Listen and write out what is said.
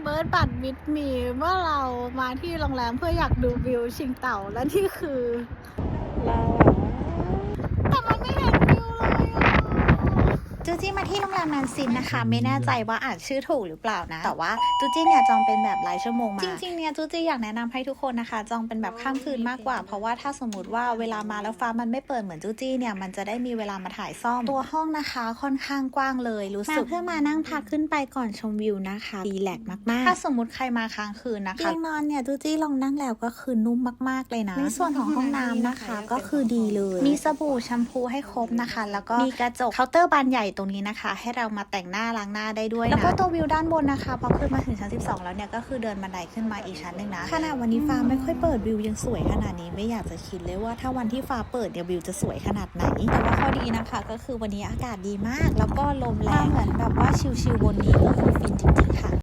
ฟิร์สบัตรมิดมีเมื่อเรามาที่โรงแรมเพื่ออยากดูวิวชิงเต่าและนี่คือเราแต่มันไม่เห็นวิวเลยจูจี้มาที่โรงแรมนันซินนะคะไม่แน่ใจว่าอ่านชื่อถูกหรือเปล่านะแต่ว่าจูจี้เนี่ยจองเป็นแบบรายชั่วโมงมาจริงๆเนี่ยจูจี้อยากแนะนำให้ทุกคนนะคะจองเป็นแบบข้ามคืนมากกว่าเพราะว่าถ้าสมมติว่าเวลามาแล้วฟ้ามันไม่เปิดเหมือนจูจี้เนี่ยมันจะได้มีเวลามาถ่ายซ่อมตัวห้องนะคะค่อนข้างกว้างเลยรู้สึกเพื่อมานั่งพักขึ้นไปก่อนชมวิวนะคะรีแลกซ์มากๆถ้าสมมติใครมาค้างคืนนะคะเตียงนอนเนี่ยจูจี้ลองนั่งแล้วก็คือนุ่มมากๆเลยนะในส่วนของห้องน้ำนะคะก็คือดีเลยมีสบู่แชมพูให้ครบนะคะแล้วก็มีกระจกเคาน์เตอร์บานใหญ่ตรงนี้นะคะให้เรามาแต่งหน้าล้างหน้าได้ด้วยนะแล้วก็ตัววิวด้านบนนะคะพอขึ้นมาถึงชั้น12แล้วเนี่ยก็คือเดินบันไดขึ้นมาอีกชั้นนึงนะขณะวันนี้ฟ้าไม่ค่อยเปิดวิวยังสวยขนาดนี้ไม่อยากจะคิดเลยว่าถ้าวันที่ฟ้าเปิดเนี่ยวิวจะสวยขนาดไหนแต่ว่าข้อดีนะคะก็คือวันนี้อากาศดีมากแล้วก็ลมแรงเหมือนแบบว่าชิลๆบนนี้ก็คือฟินจริงๆค่ะ